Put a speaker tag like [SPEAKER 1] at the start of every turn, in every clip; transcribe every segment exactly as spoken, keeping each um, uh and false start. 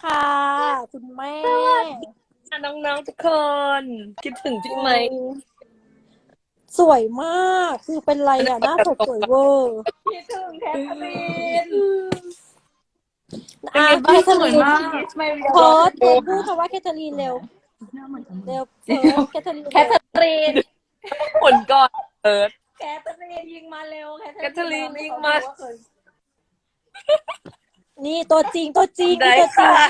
[SPEAKER 1] ค่ะ คุณแม่
[SPEAKER 2] น้องๆทุกคน คิดถึงพี่ไหม
[SPEAKER 1] สวยมาก คือเป็นไรอ่ะ หน้าสดสวยเวอร์
[SPEAKER 3] คิดถึงแคทเธอรีน
[SPEAKER 2] เป็น
[SPEAKER 1] อ่ะ
[SPEAKER 2] ไง
[SPEAKER 1] แค
[SPEAKER 2] บ้าง
[SPEAKER 1] ทเธอ
[SPEAKER 2] สวย
[SPEAKER 1] รีน
[SPEAKER 2] มาก
[SPEAKER 1] เพิร์ดเพิร์ดพูดคำว่าแคทเธอรีนเร็ว เร็วเพิร์ดแคทเธอรีน
[SPEAKER 3] แคทเธอรีน
[SPEAKER 2] ผลก่อนเอิร์ธ
[SPEAKER 3] แคทเธอรีนยิงมาเร็ว
[SPEAKER 2] แคทเธอรีนยิงมา
[SPEAKER 1] นี่ตัวจริงตัวจริง
[SPEAKER 2] ได้
[SPEAKER 1] นี่ตัวจริ
[SPEAKER 2] ค่ะ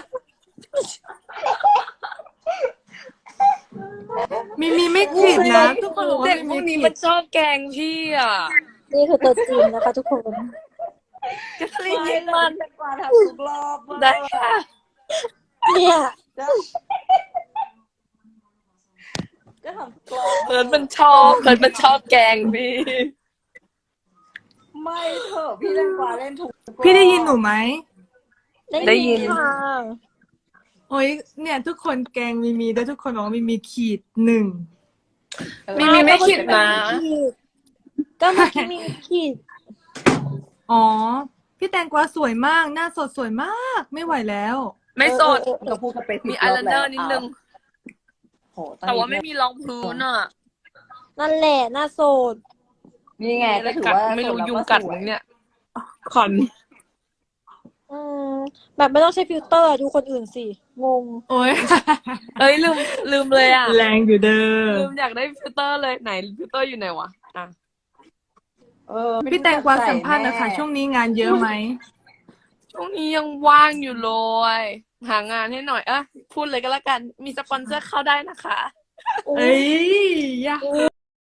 [SPEAKER 1] ง
[SPEAKER 4] มีมีไม่ผิดนะทุกคนบอกว่า
[SPEAKER 2] เด็ก
[SPEAKER 4] มี
[SPEAKER 2] พวก
[SPEAKER 4] มี
[SPEAKER 2] นี้
[SPEAKER 4] ผิ
[SPEAKER 2] มั
[SPEAKER 4] ด
[SPEAKER 2] นชอบแกล้งพี่อ่ะ
[SPEAKER 1] นี่คือตัวจริงนะคะทุกคน
[SPEAKER 2] แคทเธอรีน
[SPEAKER 3] ไม่
[SPEAKER 2] ยิง
[SPEAKER 3] แต่
[SPEAKER 2] มัน
[SPEAKER 3] เป็นกว่าทำทุกรอบเว้ย
[SPEAKER 2] ได้ค่ะ
[SPEAKER 1] เนี่ย
[SPEAKER 3] ก็ทำทุกรอบ
[SPEAKER 2] เอิร์ธมันชอบเอิร์ธมันชอบแกล้งพี่
[SPEAKER 3] ไม่เถอะพี่แตงกวาเล่นถูกทุกรอบ
[SPEAKER 4] พี่ได้ยินหนูไหม
[SPEAKER 2] ได้ยิน
[SPEAKER 1] ค่ะ
[SPEAKER 4] โอ้ยเนี่ยทุกคนแกล้งมีมีแล้วทุกคนบอกว่ามีมีขีดหนึ่ง
[SPEAKER 2] มีมีไม่คิดนะ
[SPEAKER 1] ก็เมื่อกี้มีขีด
[SPEAKER 4] อ๋อ พี่แตงกวาสวยมาก หน้าสดสวยมาก ไม่ไหวแล้ว
[SPEAKER 2] ไม่สด
[SPEAKER 1] เออเออเอ
[SPEAKER 3] ก็
[SPEAKER 1] อ
[SPEAKER 3] พูดกันไปสิบ
[SPEAKER 2] มี
[SPEAKER 3] ร
[SPEAKER 2] อา
[SPEAKER 3] อบ
[SPEAKER 2] ยไลเนอร์นิดนึง
[SPEAKER 3] โหตอน
[SPEAKER 2] แต่ว่า
[SPEAKER 3] นี้
[SPEAKER 2] ไม่มีรองพื้นอ่ะ
[SPEAKER 1] นั่นแหละหน้าโสด
[SPEAKER 3] นี่ไง
[SPEAKER 2] อะไร
[SPEAKER 3] ก็ถือ
[SPEAKER 2] กัด
[SPEAKER 3] ว่า
[SPEAKER 2] ไม่รู้
[SPEAKER 3] โสดแล้ว
[SPEAKER 2] ยุง
[SPEAKER 3] ก็
[SPEAKER 2] กัด
[SPEAKER 3] สว
[SPEAKER 2] มั้
[SPEAKER 3] ย
[SPEAKER 2] งเนี่ยขอน
[SPEAKER 1] อืมแบบไม่ต้องใช้ฟิลเตอร์ดูคนอื่นสิ งง
[SPEAKER 4] โอ้ย
[SPEAKER 2] เอ้ยลืมลืมเลยอ่ะ
[SPEAKER 4] แรงอยู่เด้อ
[SPEAKER 2] ลืมอยากได้ฟิลเตอร์เลยไหนฟิลเตอร์อยู่ไหนวะอ่ะ
[SPEAKER 3] เออไม่
[SPEAKER 4] พี่แตงกวา
[SPEAKER 3] รู้จั
[SPEAKER 4] สัมภาษณ์
[SPEAKER 3] ใส่
[SPEAKER 4] นะคะ
[SPEAKER 3] แ
[SPEAKER 4] ช่วงนี้งานเยอะไหม
[SPEAKER 2] ช่วงนี้ยังว่างอยู่เลยหางานให้หน่อยเอ่ะพูดเลยก็แล้วกันมีสปอนเซอร์เข้าได้นะคะ
[SPEAKER 4] เอ้ยยะ